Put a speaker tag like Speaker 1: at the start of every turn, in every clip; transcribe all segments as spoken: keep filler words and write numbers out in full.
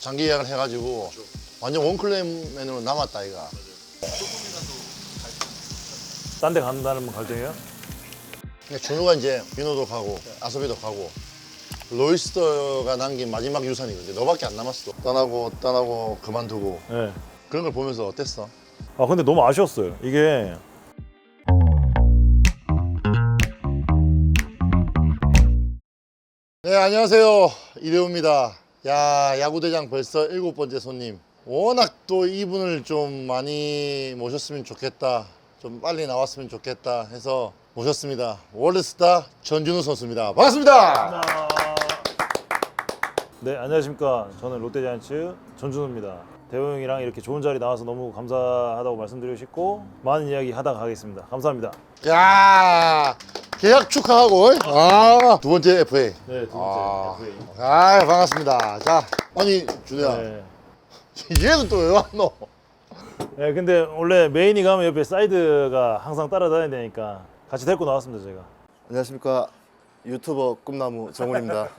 Speaker 1: 장기 예약을 해가지고 완전 원클레임 메뉴로 남았다 이가.
Speaker 2: 딴 데 간다는 갈등이에요?
Speaker 1: 그러니까 준우가 이제 민호도 가고 아소비도 가고 로이스터가 남긴 마지막 유산이거든. 너밖에 안 남았어. 떠나고 떠나고 그만두고
Speaker 2: 네.
Speaker 1: 그런 걸 보면서 어땠어?
Speaker 2: 아 근데 너무 아쉬웠어요. 이게
Speaker 1: 네, 안녕하세요. 이대호입니다. 야, 야구대장 벌써 일곱 번째 손님. 워낙 또 이분을 좀 많이 모셨으면 좋겠다. 좀 빨리 나왔으면 좋겠다 해서 모셨습니다. 월드스타 전준우 선수입니다. 반갑습니다.
Speaker 2: 네 안녕하십니까. 저는 롯데자이언츠 전준우입니다. 대호 형이랑 이렇게 좋은 자리 나와서 너무 감사하다고 말씀드리고 싶고 많은 이야기 하다 가겠습니다. 감사합니다.
Speaker 1: 야, 계약 축하하고. 아, 두 번째 에프에이.
Speaker 2: 네, 두 번째
Speaker 1: 아,
Speaker 2: 에프에이.
Speaker 1: 아, 반갑습니다. 자, 아니 준우야,
Speaker 2: 네.
Speaker 1: 얘는 또 왜 왔노?
Speaker 2: 네, 근데 원래 메인이 가면 옆에 사이드가 항상 따라다녀야 되니까 같이 데리고 나왔습니다, 제가.
Speaker 3: 안녕하십니까, 유튜버 꿈나무 정훈입니다.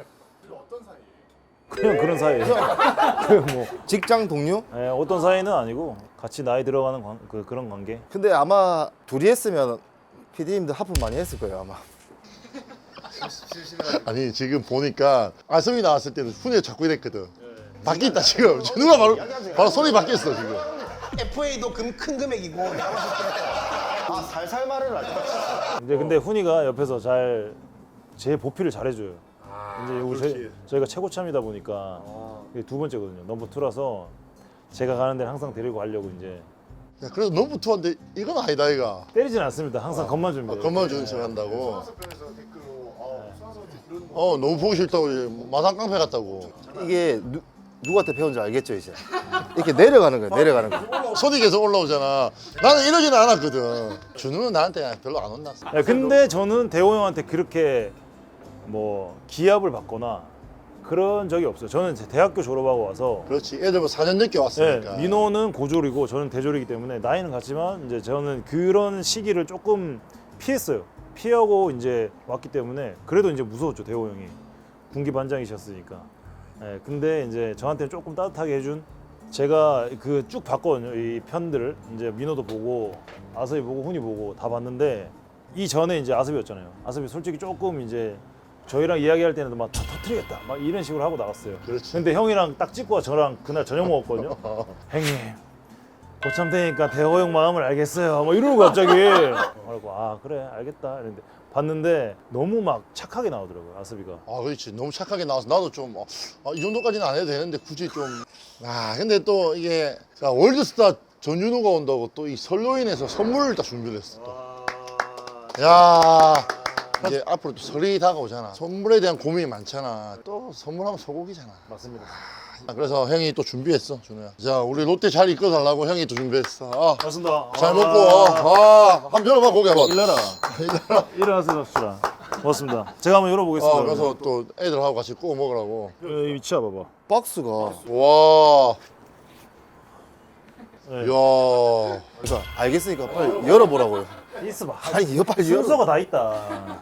Speaker 2: 그냥 그런 사이예요. 그 뭐
Speaker 3: 직장 동료?
Speaker 2: 네, 어떤 사이는 아니고 같이 나이 들어가는 관, 그, 그런 관계.
Speaker 3: 근데 아마 둘이 했으면 피디님들 하품 많이 했을 거예요 아마.
Speaker 1: 아니 지금 보니까 아성이 나왔을 때는 훈이 자꾸 이랬거든. 바뀌었다 지금. 준우가 바로 바로 손이 바뀌었어 지금.
Speaker 4: 에프에이도 금, 큰 금액이고
Speaker 3: 아 살살 말을 하죠.
Speaker 2: 이제 근데 훈이가 옆에서 잘 제 보필을 잘해줘요. 이제 우리 저희, 저희가 최고참이다 보니까 이게 두 번째거든요. 넘버 투라서 제가 가는 데는 항상 데리고 가려고 이제
Speaker 1: 야, 그래도 너무 투한데 이건 아니다 이가.
Speaker 2: 때리진 않습니다. 항상 겉만 준비해요.
Speaker 1: 건만 주는 척 한다고. 어 너무 보기 싫다고 이제 마상 깡패 같다고.
Speaker 3: 이게 누, 누구한테 배운지 알겠죠 이제. 이렇게 내려가는 거예요. 내려가는 거.
Speaker 1: 손이 계속 올라오잖아. 나는 이러지는 않았거든. 준우는 나한테 별로 안 혼났어.
Speaker 2: 야, 근데 저는 대호 형한테 그렇게 뭐 기합을 받거나 그런 적이 없어요. 저는 제 대학교 졸업하고 와서
Speaker 1: 그렇지. 애들 뭐 사 년 늦게
Speaker 2: 네,
Speaker 1: 왔으니까.
Speaker 2: 민호는 고졸이고 저는 대졸이기 때문에 나이는 같지만 이제 저는 그런 시기를 조금 피했어요. 피하고 이제 왔기 때문에 그래도 이제 무서웠죠. 대호 형이 군기 반장이셨으니까. 네, 근데 이제 저한테는 조금 따뜻하게 해준 제가 그 쭉 봤거든요. 이 편들을 이제 민호도 보고 아섭이 보고 훈이 보고 다 봤는데 이 전에 이제 아섭이었잖아요. 아섭이 솔직히 조금 이제 저희랑 이야기할 때는 막 다 터트리겠다 막 이런 식으로 하고 나갔어요.
Speaker 1: 그렇지.
Speaker 2: 근데 형이랑 딱 찍고 저랑 그날 저녁 먹었거든요. 형님 고참 되니까 대호 형 마음을 알겠어요. 뭐 이러고 갑자기 그래고 아 그래 알겠다 이랬는데 봤는데 너무 막 착하게 나오더라고요 아섭이가.
Speaker 1: 아 그렇지. 너무 착하게 나와서 나도 좀 아, 이 정도까지는 안 해도 되는데 굳이 좀. 아 근데 또 이게 자, 월드스타 전준우가 온다고 또 이 설로인에서 선물을 딱 준비를 했어. 또. 야. 이제 앞으로 또 설이 다가오잖아. 선물에 대한 고민이 많잖아. 또 선물하면 소고기잖아.
Speaker 2: 맞습니다.
Speaker 1: 아, 그래서 형이 또 준비했어, 준우야. 자, 우리 롯데 잘 이끌어 달라고 형이 또 준비했어. 아,
Speaker 2: 맞습니다.
Speaker 1: 잘 먹고, 아, 한번 열어봐, 고기 한번.
Speaker 2: 일어나. 일어나서 잡시다. 고맙습니다. 제가 한번 열어보겠습니다.
Speaker 1: 어, 그래서 또 애들하고 같이 구워 먹으라고.
Speaker 2: 여기 위치 봐봐.
Speaker 3: 박스가.
Speaker 1: 와,
Speaker 2: 네.
Speaker 1: 이야.
Speaker 3: 그러니까 알겠으니까 빨리 열어보라고요.
Speaker 2: 있어봐.
Speaker 3: 아니 이거 빨리 열어.
Speaker 2: 순서가 다 있다.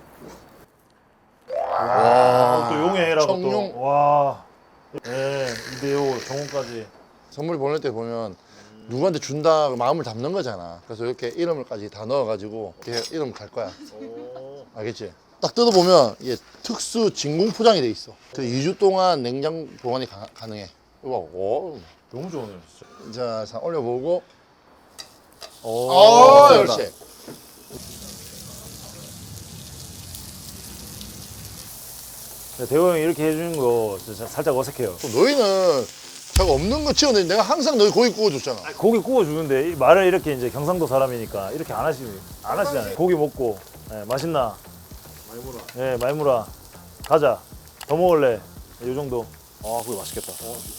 Speaker 1: 와,
Speaker 2: 또 용해라고
Speaker 1: 청룡.
Speaker 2: 또. 와. 네, 이대호 정훈까지.
Speaker 1: 선물 보낼 때 보면 누구한테 준다 마음을 담는 거잖아. 그래서 이렇게 이름을까지 다 넣어가지고 이렇게 이름 갈 거야. 알겠지? 딱 뜯어보면 이게 특수 진공 포장이 돼 있어. 그 이 주 동안 냉장 보관이 가, 가능해. 이거 봐. 오.
Speaker 2: 너무 좋네요, 진짜.
Speaker 1: 자, 자 올려보고.
Speaker 2: 오.
Speaker 1: 어, 그렇지.
Speaker 2: 네, 대호 형이 이렇게 해주는 거 진짜 살짝 어색해요.
Speaker 1: 또 너희는 자가 없는 거 치워내는데 내가 항상 너희 고기 구워줬잖아.
Speaker 2: 고기 구워주는데 이 말을 이렇게 이제 경상도 사람이니까 이렇게 안 하시 안 하시잖아요. 고기 먹고 네, 맛있나? 많이 물어. 네, 많이 물어. 가자. 더 먹을래. 이 정도. 아, 고기 맛있겠다.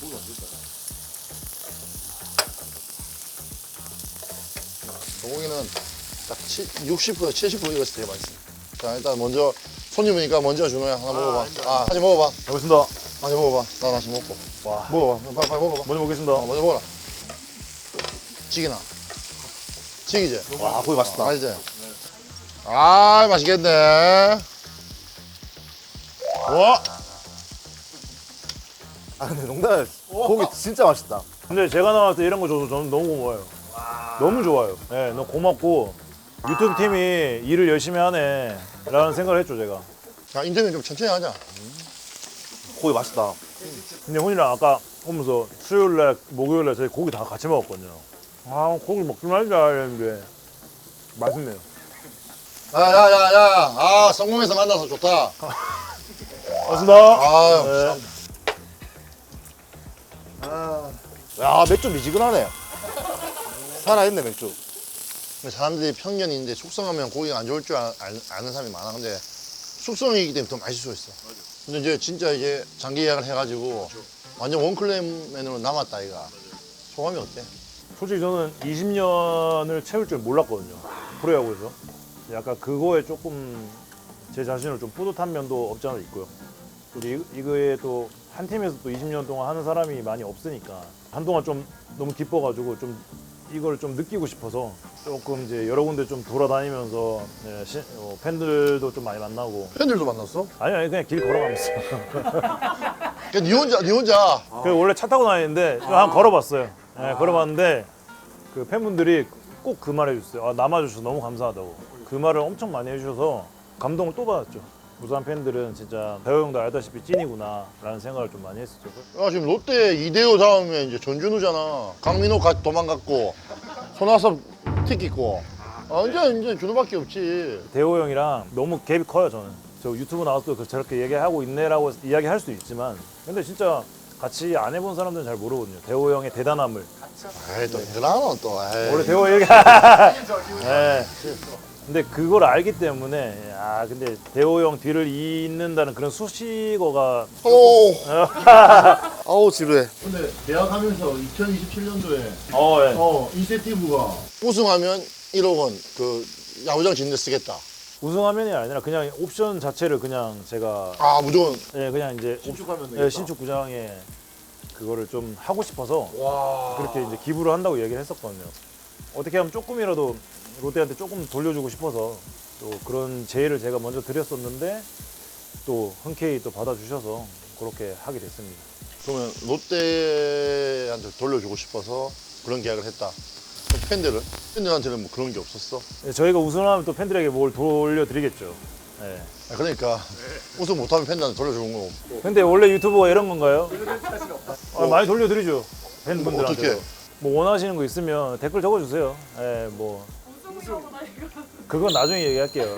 Speaker 1: 소고기는 딱 육십 퍼센트, 칠십 퍼센트 익었을 때 되게 맛있어. 자, 일단 먼저 손님이니까 먼저 준호야 하나 먹어봐. 아, 하지 먹어봐.
Speaker 2: 먹겠습니다.
Speaker 1: 하지 먹어봐. 나 다시 먹고.
Speaker 2: 와.
Speaker 1: 먹어봐. 빨리, 빨리 먹어봐.
Speaker 2: 먼저 먹겠습니다.
Speaker 1: 어, 먼저 먹어라. 찌기나. 찌기지?
Speaker 3: 와 고기 맛있다.
Speaker 1: 맛있지? 아, 맛있겠네. 와.
Speaker 3: 아 근데 농담 고기 진짜 맛있다.
Speaker 2: 근데 제가 나갈 때 이런 거 줘서 저는 너무 고마워요. 너무 좋아요. 예, 너무 고맙고 유튜브 팀이 일을 열심히 하네 라는 생각을 했죠 제가.
Speaker 1: 야, 인터뷰 좀 천천히 하자.
Speaker 3: 고기 맛있다.
Speaker 2: 근데 혼이랑 아까 오면서 수요일날 목요일날 저희 고기 다 같이 먹었거든요. 아 고기 먹지 말자 이랬는데 맛있네요.
Speaker 1: 야, 야, 야, 야. 아, 성공해서 만나서 좋다.
Speaker 2: 고맙습니다.
Speaker 1: 아유.
Speaker 2: 네.
Speaker 3: 야 맥주 미지근하네. 살아있네 맥주.
Speaker 1: 근데 사람들이 편견이 있는데 숙성하면 고기가 안 좋을 줄 아, 아, 아는 사람이 많아. 근데 숙성이기 때문에 더 맛있을 수 있어. 근데 이제 진짜 이제 장기 예약을 해가지고 완전 원클레임 메뉴로 남았다 이가. 소감이 어때?
Speaker 2: 솔직히 저는 이십 년을 채울 줄 몰랐거든요. 프로야구에서. 약간 그거에 조금 제 자신을 좀 뿌듯한 면도 없지 않아 있고요. 또 이, 이거에 또 한 팀에서 또 이십 년 동안 하는 사람이 많이 없으니까 한동안 좀 너무 기뻐가지고 좀 이걸 좀 느끼고 싶어서 조금 이제 여러 군데 좀 돌아다니면서 네, 시, 어, 팬들도 좀 많이 만나고
Speaker 1: 팬들도 만났어?
Speaker 2: 아니 아니 그냥 길 걸어가면서
Speaker 1: 그니 혼자, 니 혼자.
Speaker 2: 그 원래 차 타고 다니는데 좀 한 걸어봤어요. 네, 걸어봤는데 그 팬분들이 꼭 그 말 해주셨어요. 아, 남아주셔서 너무 감사하다고. 그 말을 엄청 많이 해주셔서 감동을 또 받았죠. 부산 팬들은 진짜 배우 형도 알다시피 찐이구나 라는 생각을 좀 많이 했었죠.
Speaker 1: 아, 지금 롯데 이대호 다음에 이제 전준우잖아. 강민호 가, 도망갔고, 손아섭 틱 있고. 아, 이제, 이제 준우밖에 없지.
Speaker 2: 대호 형이랑 너무 갭이 커요 저는. 저 유튜브 나와서 그 저렇게 얘기하고 있네라고 이야기할 수 있지만 근데 진짜 같이 안 해본 사람들은 잘 모르거든요. 대호 형의 대단함을.
Speaker 1: 에이, 또 힘들하노, 또. 에이.
Speaker 2: 원래 대호 얘기. 네. 근데 그걸 알기 때문에 아 근데 대호 형 뒤를 잇는다는 그런 수식어가
Speaker 1: 오!
Speaker 3: 아우 지루해.
Speaker 1: 근데 대학 하면서 이천이십칠 년도에
Speaker 2: 어 예.
Speaker 1: 어, 인센티브가 우승하면 일억 원 그 야구장 짓는 데 쓰겠다.
Speaker 2: 우승하면이 아니라 그냥 옵션 자체를 그냥 제가
Speaker 1: 아, 무조건.
Speaker 2: 예 그냥 이제
Speaker 1: 신축하면
Speaker 2: 예, 신축 구장에 그거를 좀 하고 싶어서
Speaker 1: 와.
Speaker 2: 그렇게 이제 기부를 한다고 얘기를 했었거든요. 어떻게 하면 조금이라도 롯데한테 조금 돌려주고 싶어서 또 그런 제의를 제가 먼저 드렸었는데 또 흔쾌히 또 받아주셔서 그렇게 하게 됐습니다.
Speaker 1: 그러면 롯데한테 돌려주고 싶어서 그런 계약을 했다. 그럼 팬들은? 팬들한테는 뭐 그런 게 없었어?
Speaker 2: 예, 저희가 우승하면 또 팬들에게 뭘 돌려드리겠죠. 예.
Speaker 1: 아, 그러니까 우승 못하면 팬들한테 돌려주는 거 없고.
Speaker 2: 근데 원래 유튜브가 이런 건가요? 아, 많이 돌려드리죠. 팬분들한테.
Speaker 1: 어떻게?
Speaker 2: 뭐 원하시는 거 있으면 댓글 적어주세요. 예, 뭐. 그건 나중에 얘기할게요.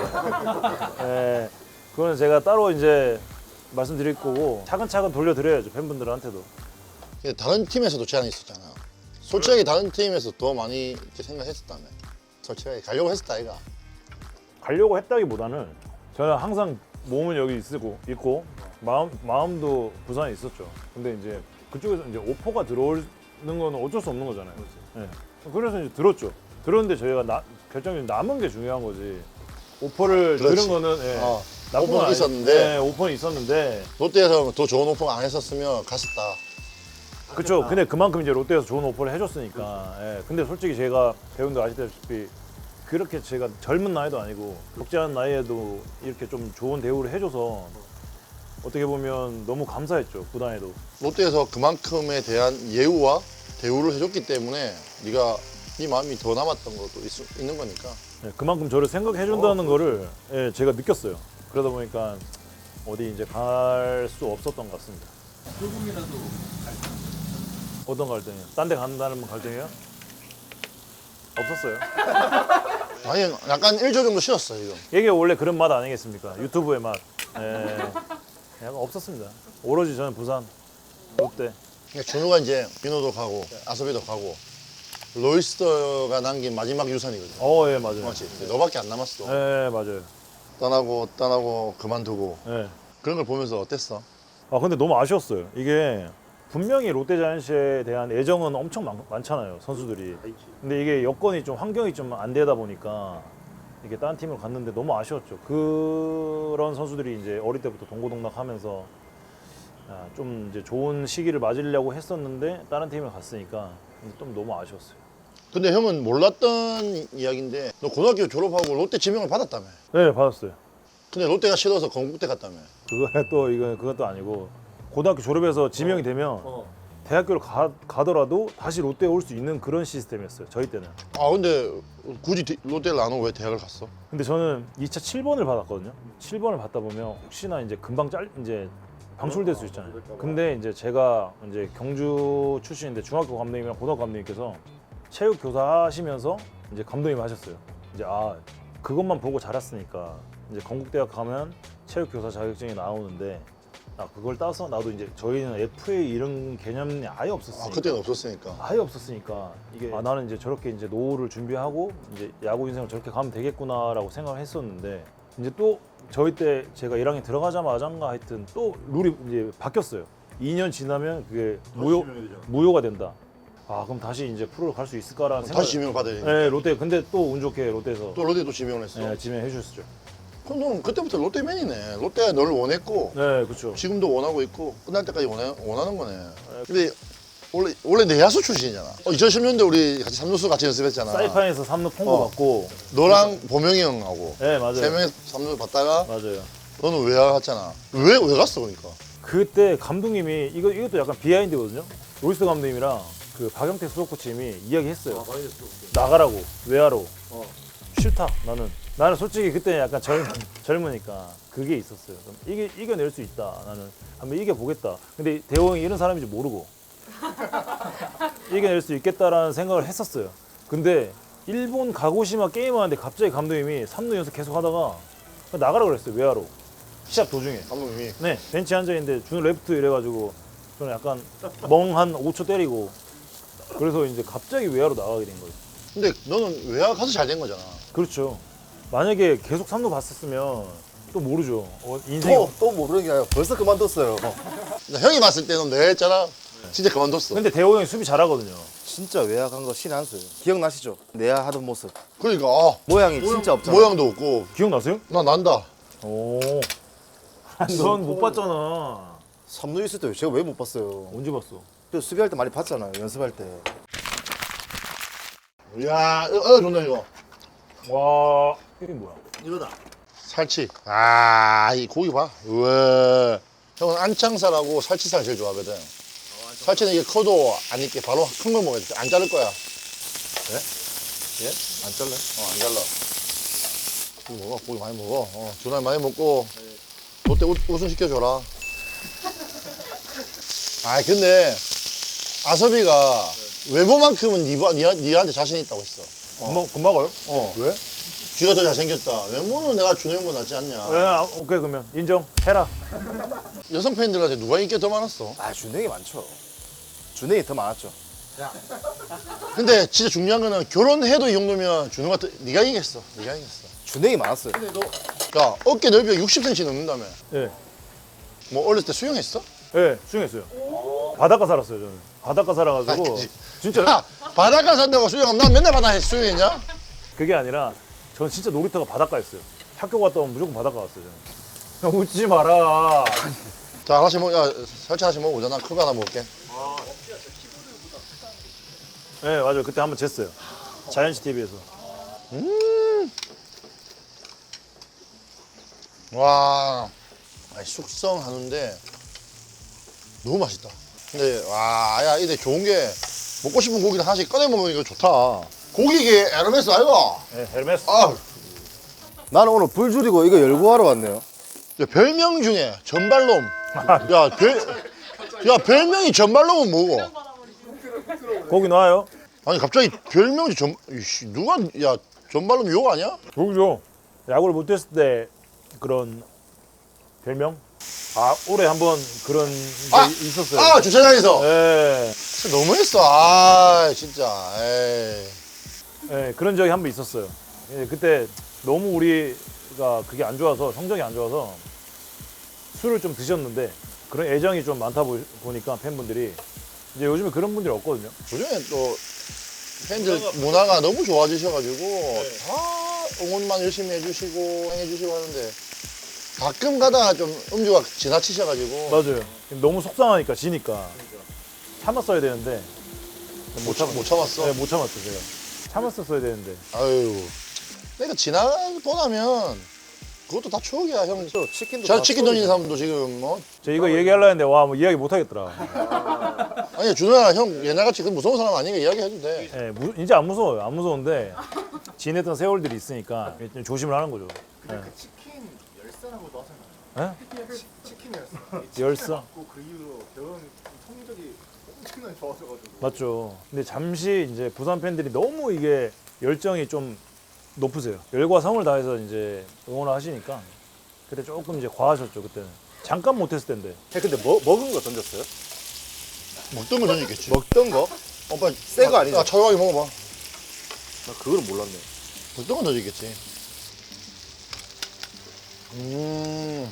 Speaker 2: 예, 그거는 제가 따로 이제 말씀드릴 거고 차근차근 돌려드려야죠 팬분들한테도.
Speaker 1: 근데 다른 팀에서도 제안이 있었잖아. 솔직하게 다른 팀에서 더 많이 이렇게 생각했었다며. 솔직하게 가려고 했었다 아이가.
Speaker 2: 가려고 했다기보다는 저는 항상 몸은 여기 있고 있고 마음 마음도 부산에 있었죠. 근데 이제 그쪽에서 이제 오퍼가 들어오는 건 어쩔 수 없는 거잖아요. 예. 그래서 이제 들었죠. 들었는데 저희가 나, 결정적인 남은 게 중요한 거지. 오퍼를
Speaker 1: 그렇지.
Speaker 2: 들은 거는 예,
Speaker 1: 어,
Speaker 2: 나쁜 건
Speaker 1: 오퍼는
Speaker 2: 아니-
Speaker 1: 있었는데.
Speaker 2: 예, 오퍼는 있었는데
Speaker 1: 롯데에서 더 좋은 오퍼 안 했었으면 갔었다.
Speaker 2: 그렇죠. 근데 그만큼 이제 롯데에서 좋은 오퍼를 해줬으니까. 예. 근데 솔직히 제가 배우님도 아시다시피 그렇게 제가 젊은 나이도 아니고 적지 않은 나이에도 이렇게 좀 좋은 대우를 해줘서 어떻게 보면 너무 감사했죠. 구단에도.
Speaker 1: 롯데에서 그만큼에 대한 예우와 대우를 해줬기 때문에 네가 네 마음이 더 남았던 것도 있, 있는 거니까.
Speaker 2: 예, 그만큼 저를 생각해준다는 거를 예, 제가 느꼈어요. 그러다 보니까 어디 이제 갈 수 없었던 것 같습니다. 조금이라도 어떤 갈등이요? 딴 데 간다는 갈등이요? 없었어요.
Speaker 1: 아니 약간 일조 정도 쉬었어 지금.
Speaker 2: 이게 원래 그런 맛 아니겠습니까? 유튜브의 맛. 예, 약간 없었습니다. 오로지 저는 부산, 롯데.
Speaker 1: 그러니까 준우가 이제 민호도 가고 아섭이도 가고 로이스터가 남긴 마지막 유산이거든.
Speaker 2: 어, 예, 맞아요.
Speaker 1: 맞지? 너밖에 안 남았어.
Speaker 2: 예, 맞아요.
Speaker 1: 떠나고 떠나고 그만두고
Speaker 2: 예.
Speaker 1: 그런 걸 보면서 어땠어?
Speaker 2: 아, 근데 너무 아쉬웠어요. 이게 분명히 롯데자이언츠에 대한 애정은 엄청 많, 많잖아요, 선수들이. 근데 이게 여건이 좀 환경이 좀 안 되다 보니까 이게 다른 팀을 갔는데 너무 아쉬웠죠. 그런 선수들이 이제 어릴 때부터 동고동락하면서 아, 좀 이제 좋은 시기를 맞으려고 했었는데 다른 팀에 갔으니까 좀 너무 아쉬웠어요.
Speaker 1: 근데 형은 몰랐던 이야기인데 너 고등학교 졸업하고 롯데 지명을 받았다며.
Speaker 2: 네, 받았어요.
Speaker 1: 근데 롯데가 싫어서 건국대 갔다며.
Speaker 2: 그거 또 이거 그것도 아니고 고등학교 졸업해서 지명이 되면
Speaker 3: 어.
Speaker 2: 대학교를 가, 가더라도 다시 롯데에 올 수 있는 그런 시스템이었어요. 저희 때는.
Speaker 1: 아 근데 굳이 디- 롯데를 안 오고 왜 대학을 갔어?
Speaker 2: 근데 저는 이 차 칠 번을 받았거든요. 칠 번을 받다 보면 혹시나 이제 금방 짤 이제 방출될 수 있잖아요. 근데 이제 제가 이제 경주 출신인데 중학교 감독님이랑 고등학교 감독님께서 체육 교사 하시면서 이제 감독님 하셨어요. 이제 아 그것만 보고 자랐으니까 이제 건국대학 가면 체육 교사 자격증이 나오는데 아 그걸 따서 나도 이제 저희는 에프에이 이런 개념이 아예
Speaker 1: 아
Speaker 2: 없었으니까
Speaker 1: 그때는 없었으니까.
Speaker 2: 아예 없었으니까 이게 아 나는 이제 저렇게 이제 노후를 준비하고 이제 야구 인생을 저렇게 가면 되겠구나라고 생각을 했었는데 이제 또 저희 때 제가 일 학년 들어가자마자인가 하여튼 또 룰이 이제 바뀌었어요. 이 년 지나면 그게 무효 무효가 된다. 아 그럼 다시 이제 프로로 갈 수 있을까라는 생각.
Speaker 1: 다시 지명을 받아야 되니까.
Speaker 2: 네 롯데 근데 또 운 좋게 롯데에서
Speaker 1: 또 롯데도 지명을 했어.
Speaker 2: 네, 지명해 주셨죠.
Speaker 1: 그럼 너는 그때부터 롯데맨이네. 롯데가 너를 원했고
Speaker 2: 네 그렇죠.
Speaker 1: 지금도 원하고 있고 끝날 때까지 원해, 원하는 거네. 근데 원래 원래 내야수 출신이잖아. 어, 이천십 년대 우리 같이 삼루수 같이 연습했잖아.
Speaker 2: 사이판에서 삼 루 폰거
Speaker 1: 어.
Speaker 2: 받고.
Speaker 1: 너랑 보명이 형하고
Speaker 2: 네 맞아요.
Speaker 1: 세 명이 삼루 받다가
Speaker 2: 맞아요.
Speaker 1: 너는 외야 갔잖아. 왜 왜 갔어 그러니까?
Speaker 2: 그때 감독님이 이거 이것도 약간 비하인드거든요. 로이스 감독님이랑 그 박영택 수석 코치님이 이야기했어요. 나가라고 외야로. 싫다 나는. 나는 솔직히 그때 약간 젊 젊으니까 그게 있었어요. 그럼 이게 이겨낼 수 있다. 나는 한번 이겨 보겠다. 근데 대호 형이 이런 사람인지 모르고 이겨낼 수 있겠다라는 생각을 했었어요. 근데 일본 가고시마 게임하는데 갑자기 감독님이 삼 루 연속 계속 하다가 나가라 그랬어요. 외야로. 시합 도중에.
Speaker 1: 감독님이
Speaker 2: 네, 벤치에 앉아있는데 준우 레프트 이래가지고 저는 약간 멍 한 오 초 때리고 그래서 이제 갑자기 외야로 나가게 된 거예요.
Speaker 1: 근데 너는 외야 가서 잘 된 거잖아.
Speaker 2: 그렇죠. 만약에 계속 삼 루 봤었으면 또 모르죠. 어, 인생
Speaker 3: 또, 또 모르는 게 아니라 벌써 그만뒀어요.
Speaker 1: 나 형이 봤을 때는 내가 했잖아. 진짜 그만뒀어.
Speaker 2: 근데 대호 형이 수비 잘하거든요.
Speaker 3: 진짜 외야간 거 신의 한 수예요. 기억나시죠? 내야 하던 모습.
Speaker 1: 그러니까 아,
Speaker 3: 모양이 진짜 없잖아요.
Speaker 1: 모양도 없고
Speaker 2: 기억나세요?
Speaker 1: 나 난다.
Speaker 2: 오. 넌 못 봤잖아.
Speaker 3: 삼 루 있을 때 제가 왜 못 봤어요?
Speaker 2: 언제 봤어?
Speaker 3: 저 수비할 때 많이 봤잖아요. 연습할 때.
Speaker 1: 이야, 어, 어 좋네 이거.
Speaker 2: 와, 이게 뭐야?
Speaker 3: 이거다.
Speaker 1: 살치. 아, 이 고기 봐. 우와. 형은 안창살하고 살치살 제일 좋아하거든. 살치는 이게 커도 안 익게 바로 큰 걸 먹어야 돼. 안 자를 거야. 예? 예? 안 잘라? 어, 안 잘라. 고기 먹어. 고기 많이 먹어. 어, 준환 많이 먹고. 롯데 우- 우승 시켜줘라. 아, 근데 아섭이가 외모만큼은 니가, 니가, 니한테 자신 있다고 했어.
Speaker 2: 금방 금방 가요?
Speaker 1: 어. 왜? 쥐가 더 잘생겼다. 외모는 내가 준호 형보다 낫지 않냐.
Speaker 2: 네, 아, 오케이 그러면 인정. 해라.
Speaker 1: 여성 팬들한테 누가 인기가 더 많았어?
Speaker 3: 아, 준행이 많죠. 준행이 더 많았죠.
Speaker 1: 근데 진짜 중요한 거는 결혼해도 이 정도면 준호가 더, 네가 이겼어. 네가 이겼어.
Speaker 3: 준행이 많았어요.
Speaker 1: 야, 어깨 넓이가 육십 센티미터 넘는다며.
Speaker 2: 예.
Speaker 1: 뭐 어렸을 때 수영했어?
Speaker 2: 예, 수영했어요. 바닷가 살았어요 저는. 바닷가 살아가지고
Speaker 1: 아니지.
Speaker 2: 진짜
Speaker 1: 야, 바닷가 산다고 수영하면 난 맨날 바다에 수영했냐?
Speaker 2: 그게 아니라 전 진짜 놀이터가 바닷가였어요. 학교 갔다 오면 무조건 바닷가 갔어요 저는. 야, 웃지 마라.
Speaker 1: 자, 하나씩 먹, 야, 살치 하나씩 먹어보자. 난 큰 거 하나 먹을게.
Speaker 2: 네 맞아요. 그때 한번 쟀어요. 자이언츠 티비에서.
Speaker 1: 와, 아니, 숙성하는데 너무 맛있다. 근데 와, 야, 이게 좋은 게 먹고 싶은 고기를 하나씩 꺼내 먹으면 이거 좋다. 고기게 에르메스 아이가?
Speaker 2: 네, 헬메스.
Speaker 1: 아,
Speaker 3: 나는 오늘 불 줄이고 이거 열고 하러 왔네요.
Speaker 1: 야, 별명 중에 전발놈. 야, 별, 야, 별명이 전발놈은 뭐고?
Speaker 2: 거기 나와요?
Speaker 1: 아니 갑자기 별명이 전, 이씨, 누가, 야, 전발놈 욕 아니야?
Speaker 2: 거기죠. 야구를 못했을 때 그런 별명? 아 올해 한번 그런 게
Speaker 1: 아!
Speaker 2: 있었어요.
Speaker 1: 아, 주차장에서.
Speaker 2: 네.
Speaker 1: 진짜 너무했어. 아, 진짜. 에이.
Speaker 2: 네, 그런 적이 한 번 있었어요. 예, 그때 너무 우리가 그게 안 좋아서 성적이 안 좋아서 술을 좀 드셨는데 그런 애정이 좀 많다 보, 보니까 팬분들이 이제 요즘에 그런 분들이 없거든요.
Speaker 1: 요즘에 또 팬들 문화가 너무 좋아지셔가지고 다 응원만 열심히 해주시고 해주시고 하는데 가끔 가다가 좀 음주가 지나치셔가지고
Speaker 2: 맞아요. 너무 속상하니까 지니까 참았어야 되는데
Speaker 1: 못, 참, 못 참았어.
Speaker 2: 네, 못 참았어 제가. 참았었어야 되는데.
Speaker 1: 아유, 그러니까 지나고 나면 그것도 다 추억이야 형.
Speaker 3: 저 치킨도
Speaker 1: 잘
Speaker 3: 다
Speaker 1: 치킨 던지는
Speaker 3: 추억이잖아.
Speaker 1: 사람도 지금 뭐
Speaker 2: 저 이거 얘기하려 했는데 와 뭐 이야기 못 하겠더라.
Speaker 1: 아니 준호야 형 옛날같이 그 무서운 사람 아니니까 이야기해도 돼.
Speaker 2: 예, 무, 이제 안 무서워요. 안 무서운데 지냈던 세월들이 있으니까 좀 조심을 하는 거죠.
Speaker 5: 근데 그 치킨 열사라고도 하잖아요.
Speaker 2: 예?
Speaker 5: 치킨 열사.
Speaker 2: 열사.
Speaker 5: 맞고 그 이후로 대형 성적이 엄청나게 좋아져가지고.
Speaker 2: 맞죠. 근데 잠시 이제 부산 팬들이 너무 이게 열정이 좀 높으세요. 열과 성을 다해서 이제 응원을 하시니까 그때 조금 이제 과하셨죠 그때는. 잠깐 못했을 텐데.
Speaker 3: 형, 근데 뭐, 먹은 거 던졌어요?
Speaker 1: 먹던 거 던지겠지.
Speaker 3: 먹던 거?
Speaker 1: 오빠
Speaker 3: 새거 아니죠?
Speaker 1: 아, 차가하게 먹어봐.
Speaker 3: 나 그거는 몰랐네.
Speaker 1: 먹던 거 던지겠지. 음,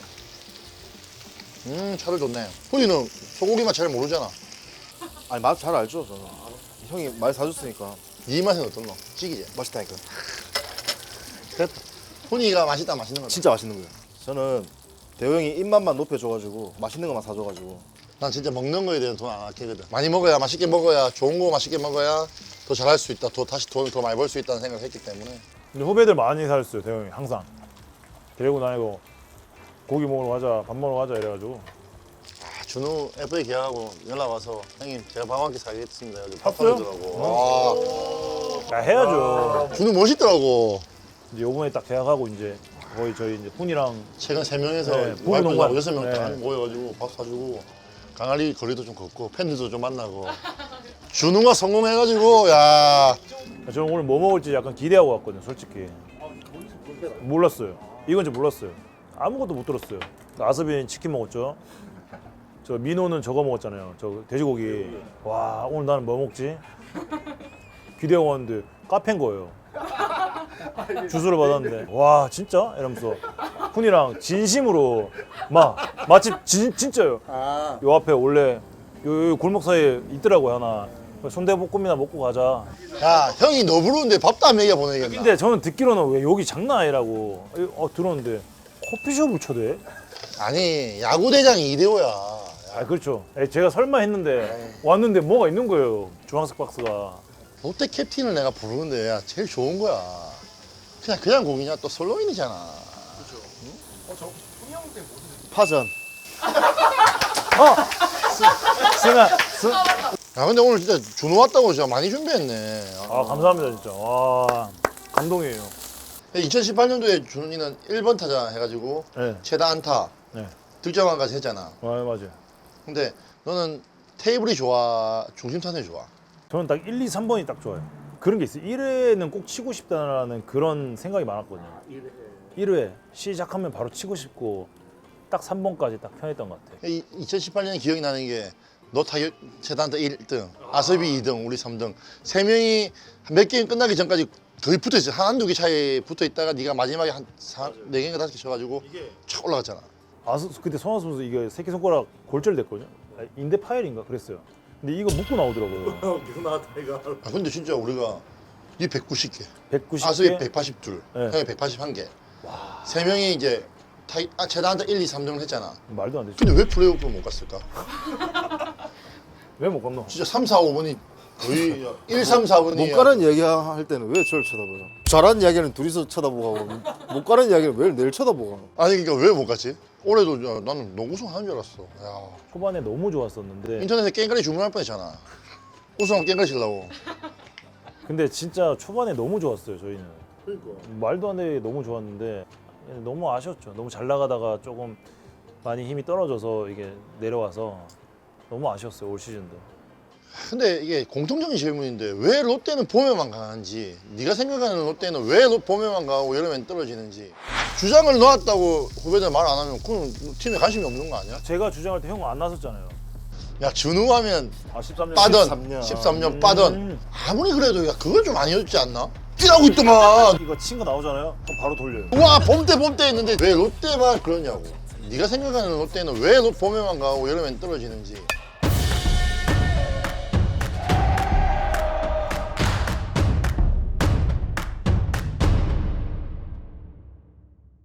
Speaker 1: 음 차를 좋네. 훈이는 소고기 맛 잘 모르잖아.
Speaker 3: 아니 맛 잘 알죠 저는. 형이 많이 사줬으니까
Speaker 1: 네 맛은 어떤 거? 찌기지.
Speaker 3: 맛있다니까.
Speaker 1: 됐다. 훈이가 맛있다 맛있는 거.
Speaker 3: 진짜 맛있는 거예요. 저는 대호 형이 입맛만 높여줘가지고 맛있는 것만 사줘가지고
Speaker 1: 난 진짜 먹는 거에 대한 돈 안 아끼거든. 많이 먹어야 맛있게 먹어야 좋은 거 맛있게 먹어야 더 잘할 수 있다. 더 다시 돈을 더 많이 벌 수 있다는 생각을 했기 때문에.
Speaker 2: 근데 후배들 많이 살았어요 대형이 항상. 데리고 다니고 고기 먹으러 가자 밥 먹으러 가자 이래가지고.
Speaker 1: 아, 준우 에프에이 계약하고 연락 와서 형님 제가 밥 한 끼 사겠습니다. 여기 밥
Speaker 2: 샀어요?
Speaker 1: 사주더라고.
Speaker 2: 야 해야죠.
Speaker 1: 아, 준우 멋있더라고.
Speaker 2: 이제 요번에 딱 계약하고 이제 거의 저희 이제 훈이랑
Speaker 1: 최근 세 명에서
Speaker 2: 네,
Speaker 1: 와이프하고
Speaker 2: 부부농간.
Speaker 1: 여섯 명 다
Speaker 2: 네.
Speaker 1: 모여가지고 밥 사주고 강아리 거리도 좀 걷고 팬들도 좀 만나고 준우가 성공해가지고 야
Speaker 2: 저는 오늘 뭐 먹을지 약간 기대하고 왔거든요 솔직히. 몰랐어요. 이건 지 몰랐어요. 아무것도 못 들었어요. 아스빈 치킨 먹었죠. 저 민호는 저거 먹었잖아요. 저 돼지고기. 와 오늘 나는 뭐 먹지? 기대하고 왔는데 카페인 거예요. 주소를 받았는데 와 진짜? 이러면서 훈이랑 진심으로 막 맛집 진, 진짜요. 요 앞에 원래 요, 요 골목 사이에 있더라고요 하나. 순대볶음이나 먹고 가자.
Speaker 1: 야, 형이 너 부르는데 밥도 안 먹여 보내겠나?
Speaker 2: 근데 저는 듣기로는 왜 여기 장난 아니라고 어, 들었는데 커피숍을 쳐대?
Speaker 1: 아니 야구 대장이 이대호야.
Speaker 2: 아 그렇죠. 에, 제가 설마 했는데 왔는데 뭐가 있는 거예요. 주황색 박스가.
Speaker 1: 롯데 캡틴을 내가 부르는데 야 제일 좋은 거야. 그냥 그냥 공이냐 또 솔로인이잖아.
Speaker 3: 파전.
Speaker 2: 승아, 승.
Speaker 1: 야 근데 오늘 진짜 준호 왔다고 진짜 많이 준비했네.
Speaker 2: 아 감사합니다 진짜. 와 감동이에요.
Speaker 1: 이천십팔 년도에 준호이는 일 번 타자 해가지고
Speaker 2: 네.
Speaker 1: 최다 안타
Speaker 2: 네.
Speaker 1: 득점왕까지 했잖아.
Speaker 2: 아 맞아요.
Speaker 1: 근데 너는 테이블이 좋아, 중심 타선이 좋아.
Speaker 2: 저는 딱 일, 이, 삼 번이 딱 좋아요. 그런 게 있어요. 일 회는 꼭 치고 싶다라는 그런 생각이 많았거든요. 일 회 시작하면 바로 치고 싶고 딱 삼 번까지 딱 편했던 것 같아요.
Speaker 1: 이, 이천십팔 년에 기억이 나는 게 너 타격 최다 안타 일 등, 아섭이 이 등, 우리 삼 등. 세 명이 몇 게임 끝나기 전까지 거의 붙어 있어. 한 한두 개 차이 붙어 있다가 네가 마지막에 한 네 개인가 다섯 개 쳐가지고 촥 올라갔잖아.
Speaker 2: 아 그때 손아섭 선수 이게 새끼 손가락 골절됐거든요. 아, 인대 파열인가 그랬어요. 근데 이거 묶고 나오더라고요.
Speaker 1: 아, 근데 진짜 우리가 네 백구십 개,
Speaker 2: 백구십
Speaker 1: 아섭이
Speaker 2: 개.
Speaker 1: 백팔십이,
Speaker 2: 네.
Speaker 1: 형이 백팔십일 개. 세 명이 이제 타, 아, 최다 안타 일, 이, 삼 등을 했잖아.
Speaker 2: 말도 안 되죠.
Speaker 1: 근데 왜 플레이오프를 못 갔을까?
Speaker 2: 왜 못 건너?
Speaker 1: 진짜 삼, 사, 오 번이 거의 일, 삼, 사 번이
Speaker 3: 못 가는 이야기 할 때는 왜 저를 쳐다보죠? 잘하는 이야기는 둘이서 쳐다보고 하고 못 가는 이야기는 왜 내를 쳐다보고 하고.
Speaker 1: 아니 그러니까 왜 못 갔지? 올해도 야, 나는 농구 우승하는 줄 알았어. 야,
Speaker 2: 초반에 너무 좋았었는데
Speaker 1: 인터넷에 깽가리 주문할 뻔했잖아. 우승하면 깽가리 실라고.
Speaker 2: 근데 진짜 초반에 너무 좋았어요 저희는.
Speaker 1: 그러니까.
Speaker 2: 말도 안 되게 너무 좋았는데 너무 아쉬웠죠. 너무 잘 나가다가 조금 많이 힘이 떨어져서 이게 내려와서 너무 아쉬웠어요 올 시즌도.
Speaker 1: 근데 이게 공통적인 질문인데 왜 롯데는 봄에만 강한지, 네가 생각하는 롯데는 왜 로- 봄에만 강하고 여름엔 떨어지는지. 주장을 놓았다고 후배들 말 안 하면 그건 팀에 관심이 없는 거 아니야?
Speaker 2: 제가 주장할 때 형 안 나섰잖아요.
Speaker 1: 야 준우 하면
Speaker 2: 아 십삼 년.
Speaker 1: 빠던
Speaker 3: 십삼 년.
Speaker 1: 십삼 년 빠던.
Speaker 2: 음.
Speaker 1: 아무리 그래도 야 그건 좀 아니었지 않나? 뛰라고 있더만.
Speaker 2: 이거 친 거 나오잖아요. 그럼 바로 돌려요.
Speaker 1: 와 봄때 봄때 했는데 왜 롯데만 그러냐고. 네가 생각하는 롯데는 왜 로- 봄에만 강하고 여름엔 떨어지는지.